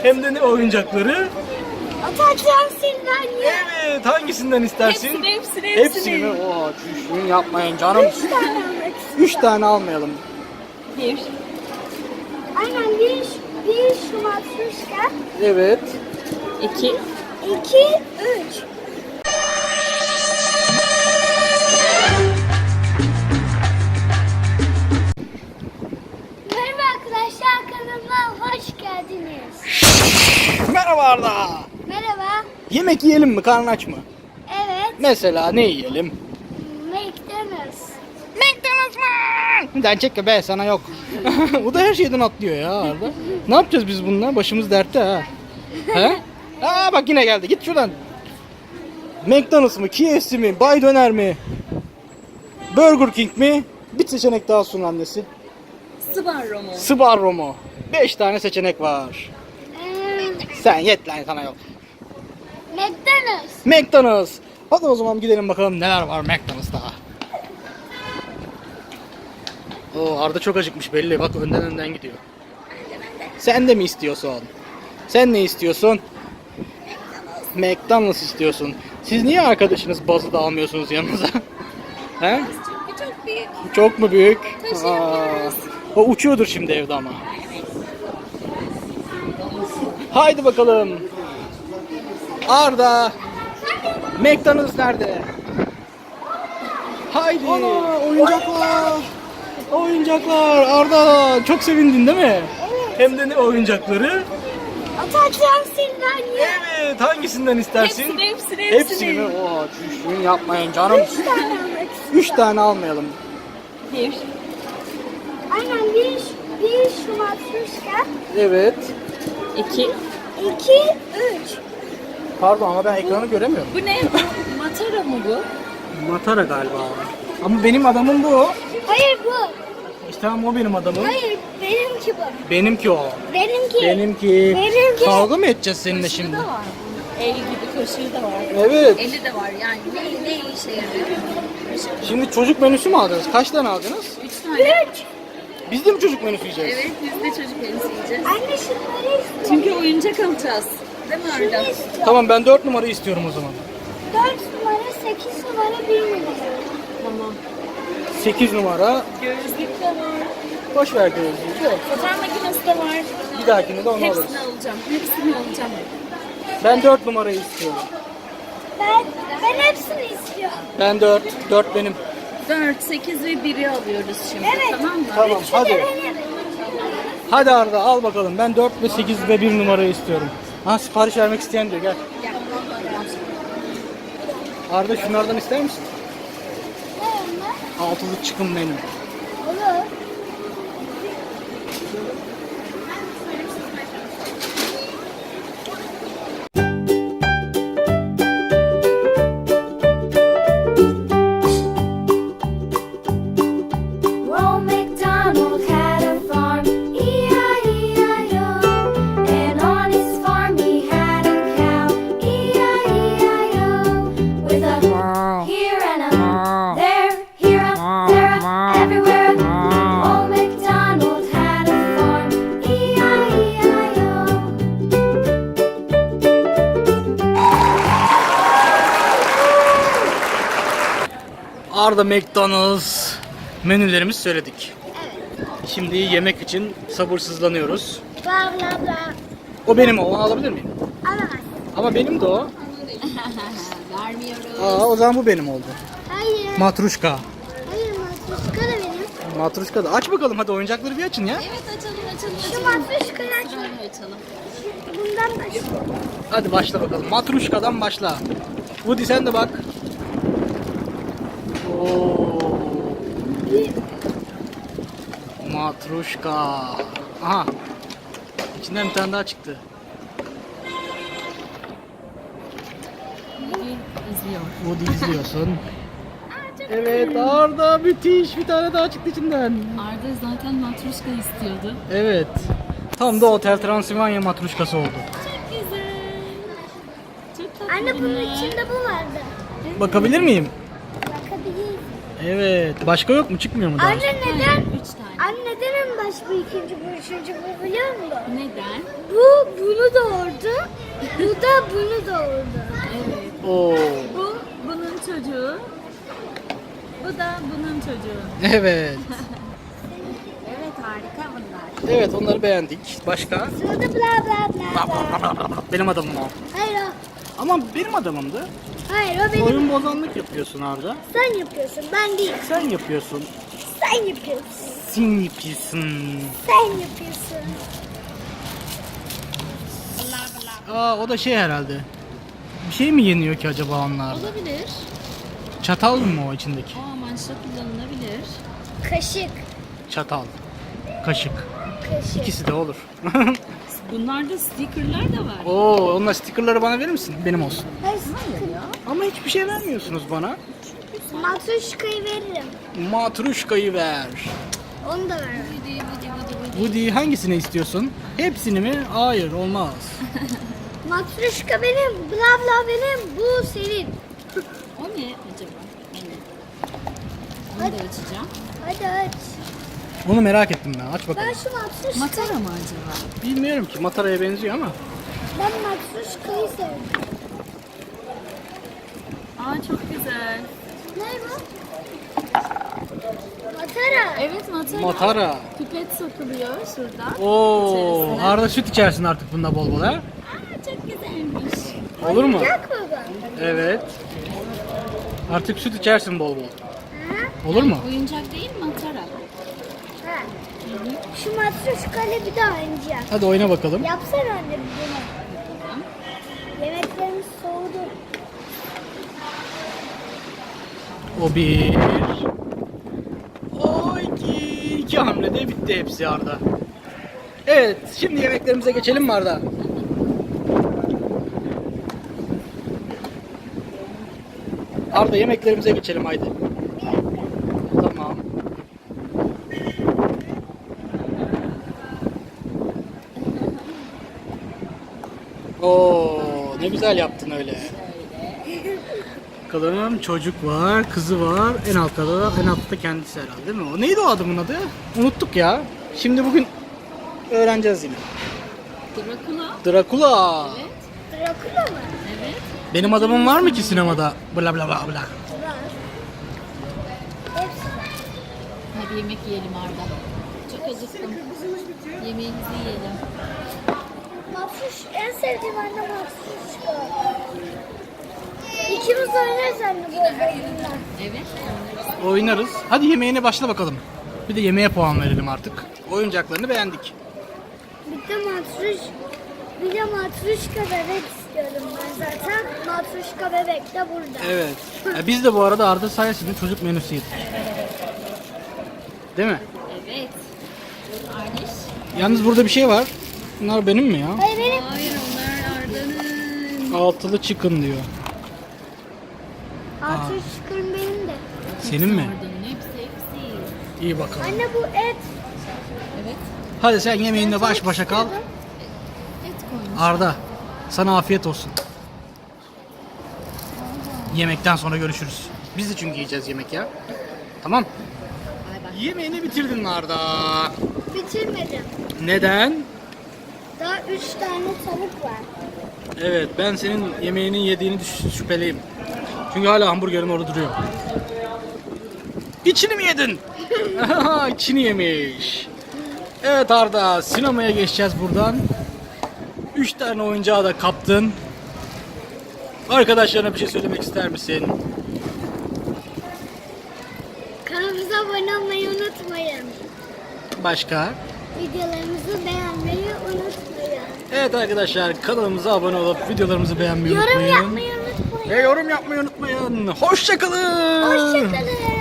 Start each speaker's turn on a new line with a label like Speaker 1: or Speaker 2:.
Speaker 1: Hem de ne oyuncakları?
Speaker 2: Ata Transilvanya.
Speaker 1: Evet, hangisinden istersin? Hepsini mi? Oo, düşün yapmayın canım.
Speaker 2: 3 tane almak.
Speaker 1: 3 tane almayalım.
Speaker 3: Bir.
Speaker 2: Aynen bir şu matruşka.
Speaker 1: Evet.
Speaker 3: 2.
Speaker 2: 2, 3. Merhaba arkadaşlar, kanalıma hoş geldiniz.
Speaker 1: Merhaba Arda.
Speaker 2: Merhaba.
Speaker 1: Yemek yiyelim mi? Karnın aç mı?
Speaker 2: Evet.
Speaker 1: Mesela ne yiyelim?
Speaker 2: McDonald's.
Speaker 1: McDonald's mı? Den çekme be, sana yok. Bu da her şeyden atlıyor ya Arda. Ne yapacağız biz bununla? Başımız dertte ha. He? Aa bak yine geldi. Git şuradan. McDonald's mı? KFC mi? Bay Döner mi? Burger King mi? Bir seçenek daha sun annesi.
Speaker 3: Sbarro mu?
Speaker 1: Sbarro mu? 5 tane seçenek var. Sen yet lan, sana yok.
Speaker 2: McDonald's.
Speaker 1: McDonald's. Hadi o zaman gidelim bakalım neler var McDonald's'ta. Oo, Arda çok acıkmış belli. Bak önden gidiyor. Sen de mi istiyorsun? Sen ne istiyorsun? McDonald's istiyorsun. Siz niye arkadaşınız bazı da almıyorsunuz yanınıza? He?
Speaker 3: Çünkü çok büyük.
Speaker 1: Çok mu büyük?
Speaker 3: Taşıyamıyoruz.
Speaker 1: O uçuyordur şimdi evde ama. Haydi bakalım. Arda. McDonald's nerede? Haydi. Oyuncaklar. Oyuncaklar. Arda çok sevindin değil mi?
Speaker 2: Evet.
Speaker 1: Hem de ne oyuncakları?
Speaker 2: Ata Transilvanya.
Speaker 1: Evet. Hangisinden istersin? Hepsini mi? Oo, düşün yapmayın canım.
Speaker 2: 3 tane almak.
Speaker 1: 3 tane almayalım.
Speaker 3: Bir.
Speaker 2: Aynen bir şu matruşka.
Speaker 1: Evet.
Speaker 3: 2.
Speaker 2: 2, 3.
Speaker 1: Pardon ama ben ekranı göremiyorum.
Speaker 3: Bu ne? Matara mı bu?
Speaker 1: Matara galiba. Ama benim adamım bu.
Speaker 2: Hayır bu.
Speaker 1: İşte tamam, o benim adamım.
Speaker 2: Hayır benimki bu.
Speaker 1: Benimki o.
Speaker 2: Benimki.
Speaker 1: Benimki.
Speaker 2: Benimki.
Speaker 1: Kavga mı edeceğiz seninle
Speaker 3: Kaşığı
Speaker 1: şimdi?
Speaker 3: da var. El gibi kaşığı da var.
Speaker 1: Evet.
Speaker 3: Eli de var yani. Ne işe yarıyor?
Speaker 1: Şimdi çocuk menüsü mü aldınız? Kaç tane aldınız?
Speaker 3: 3 tane.
Speaker 2: 3.
Speaker 1: Biz de mi çocuk menüsü yiyeceğiz?
Speaker 3: Evet, biz de çocuk menüsü yiyeceğiz.
Speaker 2: Anne şunları istiyorum.
Speaker 3: Çünkü oyuncak alacağız. Değil mi
Speaker 2: Şunu
Speaker 3: Arda?
Speaker 2: istiyorum.
Speaker 1: Tamam, ben 4 numara istiyorum o zaman.
Speaker 2: 4 numara, 8 numara, 1 numara.
Speaker 3: Tamam.
Speaker 1: 8 numara.
Speaker 3: Gözlük de var.
Speaker 1: Boş ver gözlüğü de.
Speaker 3: Fotoğraf makinesi de var.
Speaker 1: Bir dahakine de onu alırız.
Speaker 3: Hepsini alacağım. Hepsini alacağım.
Speaker 1: Ben 4 numarayı istiyorum.
Speaker 2: Ben hepsini istiyorum.
Speaker 1: Ben 4. 4 benim.
Speaker 3: 4, 8 ve 1'i alıyoruz şimdi.
Speaker 2: Evet.
Speaker 3: Tamam mı?
Speaker 1: Tamam,
Speaker 2: Üçü de
Speaker 1: hadi.
Speaker 2: benim.
Speaker 1: Hadi Arda al bakalım. Ben 4 ve 8 ve 1 numarayı istiyorum. Ha, sipariş vermek isteyen diyor, gel.
Speaker 3: Gel.
Speaker 1: Arda şunlardan ister misin?
Speaker 2: Ne onlar?
Speaker 1: Altılı çıkın menü.
Speaker 2: Olur.
Speaker 4: Old MacDonald had a farm, E-I-E-I-O. And on his farm he had a cow, E-I-E-I-O. With a here and a there, here a, there a, everywhere. Old MacDonald had a farm, E-I-E-I-O.
Speaker 1: Arda McDonald's menülerimizi söyledik. Şimdi yemek için sabırsızlanıyoruz.
Speaker 2: Bla bla bla.
Speaker 1: O benim, o, onu alabilir miyim?
Speaker 2: Alamaz.
Speaker 1: Ama benim de o.
Speaker 3: Vermiyoruz.
Speaker 1: Aa, o zaman bu benim oldu.
Speaker 2: Hayır.
Speaker 1: Matruşka.
Speaker 2: Hayır matruşka da benim.
Speaker 1: Matruşka da. Aç bakalım hadi, oyuncakları bir açın ya.
Speaker 3: Evet açalım.
Speaker 2: Şu matruşkayı açalım.
Speaker 3: Şöyle açalım.
Speaker 2: Bundan başlayalım.
Speaker 1: Hadi başla bakalım. Matruşkadan başla. Woody sen de bak. Oo. Matruşka. Aha. İçinden bir tane daha çıktı.
Speaker 3: İzliyor.
Speaker 1: Woody izliyorsun. Evet Arda, müthiş, bir tane daha çıktı içinden.
Speaker 3: Arda zaten matruşka istiyordu.
Speaker 1: Evet. Tam da Otel Transilvanya matruşkası oldu.
Speaker 3: Çok güzel. Çok tatlı.
Speaker 2: Anne bunun
Speaker 3: bunlar.
Speaker 2: içinde bu vardı.
Speaker 1: Bakabilir miyim?
Speaker 2: Bakabiliriz.
Speaker 1: Evet. Başka yok mu? Çıkmıyor mu daha?
Speaker 2: Anne neden?
Speaker 3: 3 tane.
Speaker 2: Anne neden en Neden bu ikinci, bu üçüncü, bu biliyor musun?
Speaker 3: Neden?
Speaker 2: Bu bunu doğurdu. Bu da bunu doğurdu.
Speaker 3: Evet.
Speaker 1: Oo.
Speaker 3: Bu bunun çocuğu. Bu da bunun çocuğu.
Speaker 1: Evet.
Speaker 3: Evet, harika bunlar.
Speaker 1: Evet, onları beğendik. Başka?
Speaker 2: Sırada bla bla bla bla.
Speaker 1: Benim adamım o.
Speaker 2: Hayır o.
Speaker 1: Ama benim adamımdı.
Speaker 2: Hayır o benim.
Speaker 1: Oyun bozanlık yapıyorsun Arda.
Speaker 2: Sen yapıyorsun, ben değil.
Speaker 1: Sen yapıyorsun.
Speaker 2: Sen yapıyorsun.
Speaker 1: Sen yapıyorsun.
Speaker 2: Sen yapıyorsun.
Speaker 1: Aa, o da şey herhalde. Bir şey mi yeniyor ki acaba onlarda?
Speaker 3: Olabilir.
Speaker 1: Çatal mı o içindeki?
Speaker 3: O amaçla kullanılabilir.
Speaker 2: Kaşık.
Speaker 1: Çatal. Kaşık.
Speaker 2: Kaşık.
Speaker 1: İkisi de olur.
Speaker 3: Bunlarda stickerlar da var.
Speaker 1: Oo, onlar stickerları bana verir misin? Benim olsun.
Speaker 2: Hayır, sıkıntı.
Speaker 1: Ama hiçbir şey vermiyorsunuz bana.
Speaker 2: Matruşkayı veririm.
Speaker 1: Matruşkayı ver.
Speaker 2: Onu da veririm.
Speaker 3: Vıdı vıdı vıdı vıdı.
Speaker 1: Woody hangisini istiyorsun? Hepsini mi? Hayır, olmaz.
Speaker 2: Matruşka benim, bla bla benim, bu senin.
Speaker 3: O ne acaba? Evet. Onu da açacağım.
Speaker 2: Hadi aç.
Speaker 1: Onu merak ettim ben. Aç bakalım.
Speaker 2: Ben şu matruşka...
Speaker 3: Matara mı acaba?
Speaker 1: Bilmiyorum ki. Mataraya benziyor ama.
Speaker 2: Ben matruşkayı sevdim.
Speaker 3: Aa, çok güzel.
Speaker 2: Ne bu? Matara.
Speaker 3: Evet, matara.
Speaker 1: Matara.
Speaker 3: Pipet sokuluyor şuradan.
Speaker 1: Oo,
Speaker 3: İçerisine.
Speaker 1: Arda süt içersin artık bunda bol bol ha.
Speaker 3: Aa, çok güzelmiş.
Speaker 1: Olur mu?
Speaker 2: Oyuncak mı bu?
Speaker 1: Evet. Artık süt içersin bol bol.
Speaker 2: Ha?
Speaker 1: Olur mu?
Speaker 3: Oyuncak değil, matara.
Speaker 2: Ha. Şu matruşkayla bir daha oynayacağım.
Speaker 1: Hadi oyna bakalım.
Speaker 2: Yapsana anne bunu. Yemeklerimiz soğudu.
Speaker 1: O bir. O iki. İki hamlede bitti hepsi Arda. Evet, şimdi yemeklerimize geçelim mi Arda? Arda, yemeklerimize geçelim haydi.
Speaker 2: Bir dakika.
Speaker 1: Tamam. Oo, ne güzel yaptın öyle. Bakalım, çocuk var, kızı var. En altta da kendisi herhalde değil mi? O neydi o adamın adı? Unuttuk ya. Şimdi bugün öğreneceğiz yine.
Speaker 3: Dracula.
Speaker 1: Dracula.
Speaker 3: Evet.
Speaker 2: Drakula mı?
Speaker 3: Evet.
Speaker 1: Benim adamım var mı ki sinemada? Bla bla bla bla.
Speaker 2: Var. Hepsi var.
Speaker 3: Hadi yemek yiyelim Arda. Çok acıktım. Yemeğimizi yiyelim.
Speaker 2: Mafruş, en sevdiğim anne mafruşka. İkimiz oynarız anne bu oyunla.
Speaker 3: Evet.
Speaker 1: Oynarız. Hadi yemeğine başla bakalım. Bir de yemeğe puan verelim artık. Oyuncaklarını beğendik.
Speaker 2: Bir de matruşka bebek istiyorum ben zaten. Matruşka bebek de burada.
Speaker 1: Evet. Biz de bu arada Arda sayesinde çocuk menüsü yedik. Değil mi?
Speaker 3: Evet. Arniş.
Speaker 1: Yalnız burada bir şey var. Bunlar benim mi ya?
Speaker 2: Hayır benim.
Speaker 3: Hayır, onlar Arda'nın.
Speaker 1: Altılı chicken diyor.
Speaker 2: Matruşkam benim de.
Speaker 1: Senin mi?
Speaker 3: Arda'nın hepsi.
Speaker 1: İyi bakalım.
Speaker 2: Anne bu et.
Speaker 3: Evet.
Speaker 1: Hadi sen yemeğinle baş başa kal.
Speaker 3: Et koymuş.
Speaker 1: Arda, sana afiyet olsun. Yemekten sonra görüşürüz. Biz de çünkü yiyeceğiz yemek ya. Tamam.
Speaker 3: Bay bay.
Speaker 1: Yemeğini bitirdin mi Arda?
Speaker 2: Bitirmedim.
Speaker 1: Neden?
Speaker 2: Daha 3 tane tavuk var.
Speaker 1: Evet, ben senin yemeğinin yediğini şüpheliyim. Çünkü hala hamburgerin orada duruyor. İçini mi yedin? İçini yemiş. Evet Arda, sinemaya geçeceğiz buradan. 3 tane oyuncağı da kaptın. Arkadaşlarına bir şey söylemek ister misin?
Speaker 2: Kanalımıza abone olmayı unutmayın.
Speaker 1: Başka?
Speaker 2: Videolarımızı beğenmeyi unutmayın.
Speaker 1: Evet arkadaşlar, kanalımıza abone olup videolarımızı beğenmeyi
Speaker 2: Yorum
Speaker 1: unutmayın.
Speaker 2: yapmayı unutmayın.
Speaker 1: Ve yorum yapmayı unutmayın. Hoşça kalın.
Speaker 2: Hoşçakalın.